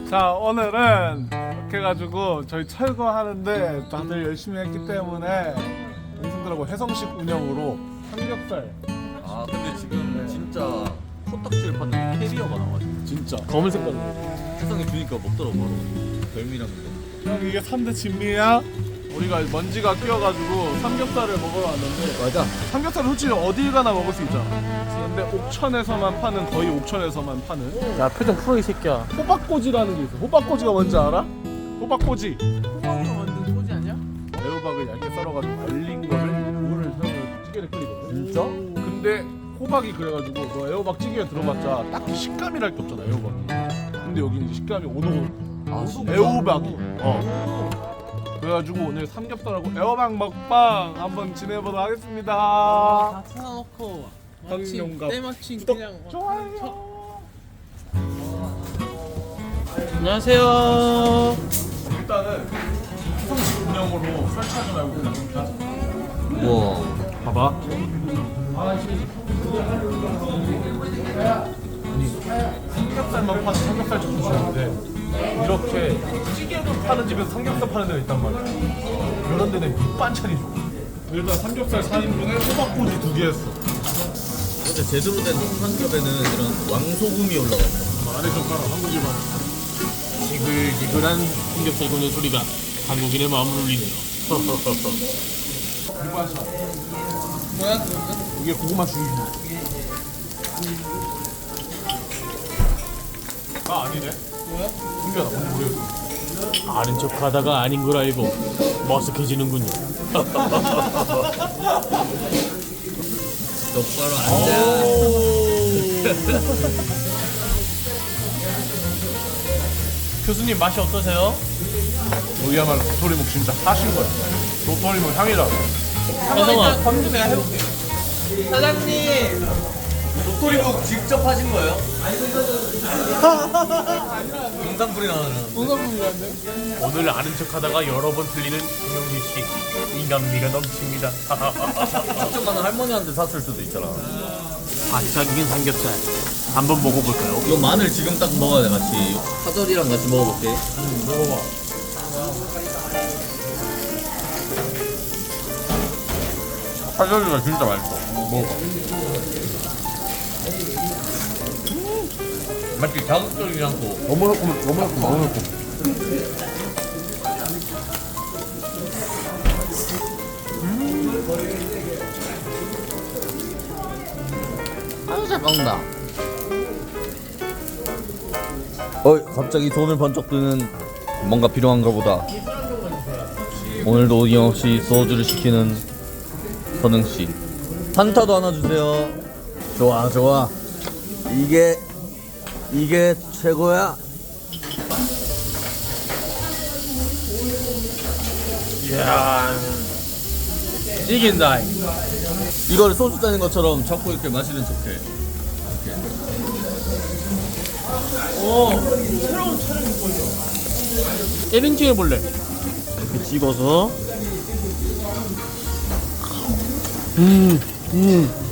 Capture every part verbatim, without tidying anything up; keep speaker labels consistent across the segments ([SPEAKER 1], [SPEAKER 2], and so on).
[SPEAKER 1] 자, 오늘은 이렇게 해가지고 저희 철거하는데 다들 열심히 했기 때문에 동생들하고 해성식 운영으로 삼겹살
[SPEAKER 2] 아 근데 지금 진짜 코딱지를 파는 캐리어가 나와가지고
[SPEAKER 1] 진짜 검은 색깔로.
[SPEAKER 2] 세상에 주니까 먹더라고 별미랑 근데
[SPEAKER 1] 형 이게 삼 대 진미야? 우리가 먼지가 끼어가지고 삼겹살을 먹으러 왔는데
[SPEAKER 2] 맞아
[SPEAKER 1] 삼겹살은 솔직히 어딜 가나 먹을 수 있잖아. 근데 옥천에서만 파는, 거의 옥천에서만 파는
[SPEAKER 3] 야 표정 풀어 이 새끼야.
[SPEAKER 1] 호박꼬지라는 게 있어. 호박꼬지가 뭔지 알아? 호박꼬지
[SPEAKER 3] 호박으로 만든 소지 아니야?
[SPEAKER 1] 애호박을 얇게 썰어가지고 말린 거를 물을 넣으면 찌개를 끓이거든.
[SPEAKER 2] 진짜?
[SPEAKER 1] 근데 호박이 그래가지고 너 애호박 찌개에 들어봤자 딱히 식감이랄 게 없잖아 애호박이. 근데 여기는 이제 식감이 오도고
[SPEAKER 2] 아 진짜?
[SPEAKER 1] 애호박이. 어. 그래가지고 오늘 삼겹살하고 애호박 먹방 한번 지내보도록 하겠습니다.
[SPEAKER 3] 다 찾아놓고
[SPEAKER 1] 황룡갑
[SPEAKER 3] 때마침
[SPEAKER 1] 구독,
[SPEAKER 3] 그냥 막
[SPEAKER 1] 좋아요.
[SPEAKER 3] 안녕하세요.
[SPEAKER 1] 일단은 해성식 운영으로 설치하지 말고 그냥 이렇게 하자.
[SPEAKER 2] 우와
[SPEAKER 1] 봐봐. 아니 삼겹살만 파는 삼겹살 전문점인데 이렇게 찌개도 파는 집에서 삼겹살 파는 데가 있단 말이야. 이런 데는 밑반찬이 좋아. 일단 삼겹살 사 인분에 호박꼬지 두 개 했어.
[SPEAKER 2] 근데 제대로 된 삼겹에는 이런 왕소금이 올라가 있어
[SPEAKER 1] 안에 젓가락 한국일반.
[SPEAKER 3] 지글지글한 삼겹살 굽는 소리가 한국인의 마음을 울리네요.
[SPEAKER 1] 밑반찬.
[SPEAKER 3] 뭐야 그거?
[SPEAKER 1] 이게 고구마 죽이기. 아 아니네.
[SPEAKER 3] 뭐야?
[SPEAKER 1] 신기하다. 뭔지 모르겠어.
[SPEAKER 3] 아는 척하다가 아닌 걸 알고 머쓱해지는군요.
[SPEAKER 2] 똑바로 앉아
[SPEAKER 3] 교수님 맛이 어떠세요?
[SPEAKER 1] 여기야말로 도토리묵 진짜 하신 거야. 도토리묵 향이라.
[SPEAKER 3] 혜성아 검수 내가 해볼게. 사장님
[SPEAKER 2] 도토리묵 직접 하신 거예요? 영상불이 나오는
[SPEAKER 3] 무서운데? 오늘 아는 척하다가 여러 번 틀리는 김영진 씨 인간미가 넘칩니다.
[SPEAKER 2] 직접 나는 할머니한테 샀을 수도 있잖아
[SPEAKER 3] 바짝 익은 삼겹살 한번 먹어볼까요?
[SPEAKER 2] 이거 마늘 지금 딱 먹어야 돼 같이 파절이랑 같이 먹어볼게
[SPEAKER 1] 먹어봐.
[SPEAKER 2] 파절이가 진짜 맛있어 먹어봐 맛있지? 자극적이지 않고
[SPEAKER 1] 너무 넣고 너무 넣고 너무 넣고.
[SPEAKER 2] 아주 잘 먹는다 어 갑자기 돈을 번쩍 드는 뭔가 필요한가 보다 오늘도 어김없이 소주를 시키는 선흥씨 한타도 하나 주세요 좋아 좋아 이게 이게 최고야
[SPEAKER 3] 이야 이긴다.
[SPEAKER 2] 이거를 소주 짜는 것처럼 자꾸 이렇게 마시는 척해
[SPEAKER 3] 오 새로운 촬영이 보여. 일 인칭 해볼래? 이렇게 찍어서 음, 음.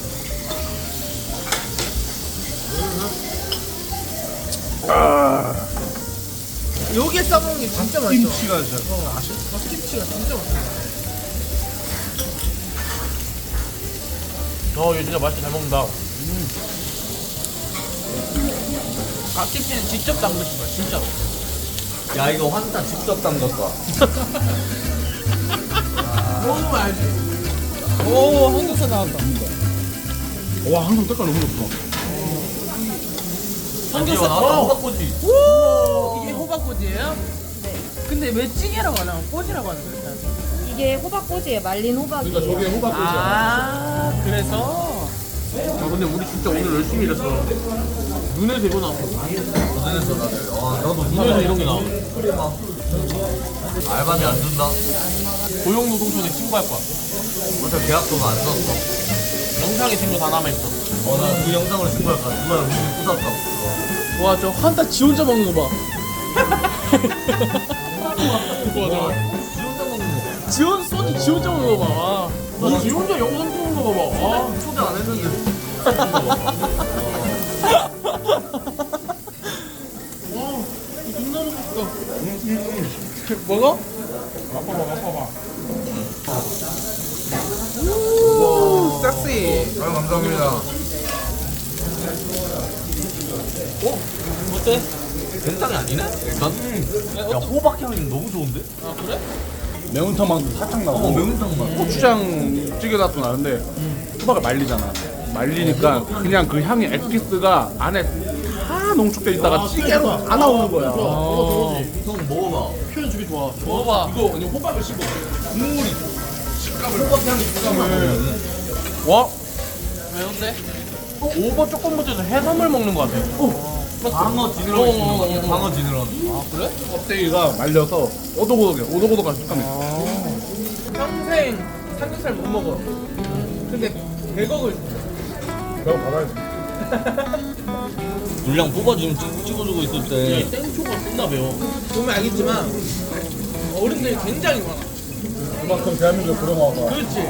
[SPEAKER 3] 아. 여기에 싸먹는 게 진짜 맛있어.
[SPEAKER 1] 김치가 진짜 맛있어.
[SPEAKER 3] 갓김치가 진짜 맛있어. 어, 얘 진짜 맛있게 잘 먹는다. 음. 갓김치는 직접 담그신 거야, 진짜로.
[SPEAKER 2] 야 이거 환타 직접 담갔다
[SPEAKER 3] 먹으면 알지. 오, 한국사 나왔다.
[SPEAKER 1] 와 항상 색깔 너무 좋다.
[SPEAKER 3] 삼겹살
[SPEAKER 2] 나왔다
[SPEAKER 3] 어.
[SPEAKER 2] 호박꼬지
[SPEAKER 3] 오, 이게 호박꼬지예요? 네. 근데 왜 찌개라고 안 하고 꼬지라고 하는 거예요?
[SPEAKER 4] 이게 호박꼬지예요. 말린 호박이에요.
[SPEAKER 1] 그러니까 저게 호박꼬지야.
[SPEAKER 3] 아, 그래서. 아, 근데 우리 진짜 오늘 열심히 일했어. 눈에 대고 나왔어.
[SPEAKER 2] 고생했어 다들 와 나도
[SPEAKER 3] 눈에서 이런 게 나와.
[SPEAKER 2] 알바비 안 준다
[SPEAKER 3] 고용노동청에 신고할 거야.
[SPEAKER 2] 어차피 계약서도 안 썼어
[SPEAKER 3] 영상에 친구 다 남아있어.
[SPEAKER 2] 어나 그 영상으로 신고할 거야 누가 우리 부쉈다
[SPEAKER 3] 와, 저 환타 지 혼자 먹는 거 봐. 와,
[SPEAKER 2] 지 혼자 먹는 거
[SPEAKER 3] 지 혼자 소주 지 혼자 먹는 거 봐. 와, 지 혼자 영상 찍는 거 봐봐. 와.
[SPEAKER 2] 초대 안 했는데
[SPEAKER 3] 와, 먹어?
[SPEAKER 1] 맛봐봐 맛봐봐.
[SPEAKER 3] 섹시.
[SPEAKER 1] 아 감사합니다.
[SPEAKER 3] 어때?
[SPEAKER 2] 된장이 아니네? 일단. 야 호박 향이 너무 좋은데?
[SPEAKER 3] 아 그래?
[SPEAKER 1] 매운탕 맛도 살짝 나고.
[SPEAKER 2] 어 매운탕 맛.
[SPEAKER 1] 고추장 찌개 맛도 나는데 호박을 말리잖아. 말리니까 그냥 그 향이 엑기스가 안에 다 농축돼 있다가 찌개로 다 나오는 거야.
[SPEAKER 3] 어,
[SPEAKER 2] 형 먹어봐.
[SPEAKER 3] 표현 주기 좋아. 먹어봐.
[SPEAKER 1] 이거 그냥 호박을 씹어.
[SPEAKER 2] 국물이 호박 향이 식감을.
[SPEAKER 1] 와
[SPEAKER 3] 매운데? 오버 조금부터 해산물 먹는 것 같아.
[SPEAKER 2] 방어 지느러미 있는 거 같아. 방어 지느러미.
[SPEAKER 3] 아 그래?
[SPEAKER 1] 껍데기가 말려서 오독오독해. 오독오독한 식감이 있어.
[SPEAKER 3] 평생 삼겹살 못 먹어. 근데 백억을
[SPEAKER 1] 내가 받아야지.
[SPEAKER 2] 분량 뽑아 지금 찍- 찍어주고 있을 때.
[SPEAKER 3] 땡초가 존나 매워. 보면 알겠지만 어른들이 굉장히 많아.
[SPEAKER 1] 그만큼 대한민국 부러워서.
[SPEAKER 3] 그렇지.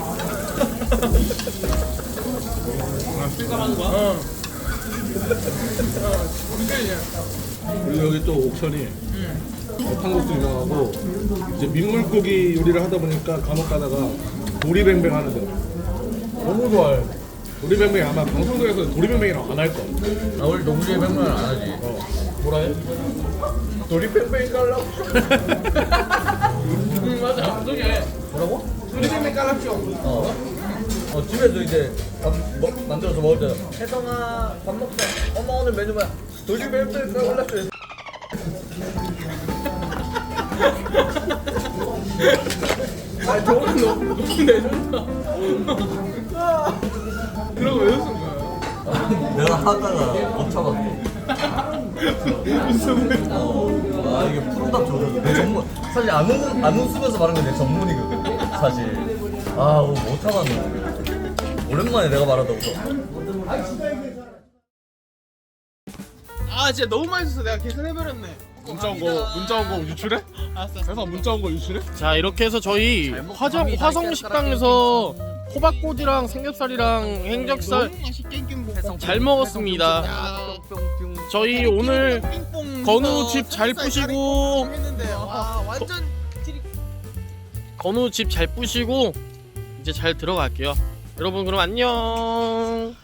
[SPEAKER 1] 실감하는 거야?
[SPEAKER 3] 어.
[SPEAKER 1] 우리 여기 또 옥천이 탕국수 유명하고 이제 민물고기 요리를 하다 보니까 간혹 가다가 도리뱅뱅 하는 데 너무 좋아해. 도리뱅뱅 아마 방송국에서 도리뱅뱅이라고 안 할 거야.
[SPEAKER 2] 아 우리 농구에 백만 안 하지.
[SPEAKER 1] 뭐라 해? 도리뱅뱅 깔라고.
[SPEAKER 3] 응 맞아. 방송에
[SPEAKER 2] 뭐라고?
[SPEAKER 3] 도리뱅뱅 깔았죠.
[SPEAKER 2] 어. 어 집에서 이제 밥 먹, 만들어서 먹을 때 혜성아 밥 먹자. 엄마 오늘 메뉴 뭐야? 돌리벨트 올랐어요.
[SPEAKER 3] 아 저거는 너무 너무 내준다. 그러고 왜 웃은 거야?
[SPEAKER 2] 내가 하다가 못 참았어. 어, 아 이게 프로답 저거 내 전문. 사실 안 웃는 안 웃으면서 말하는 게 내 전문이거든. 사실. 아 못 참았네. 오랜만에 내가 말하다 웃어.
[SPEAKER 3] 아 진짜 너무 맛있어서 내가 계산해버렸네.
[SPEAKER 1] 문자 온 거 문자 온 거 유출해?
[SPEAKER 3] 알았어.
[SPEAKER 1] 회사 문자 온 거 유출해?
[SPEAKER 3] 자 이렇게 해서 저희 화정 화성 식당에서 호박꼬지랑 삼겹살이랑 행적살 잘 먹었습니다. 저희 오늘 건우 집 잘 부시고 건우 집 잘 부시고 이제 잘 들어갈게요. 여러분 그럼 안녕.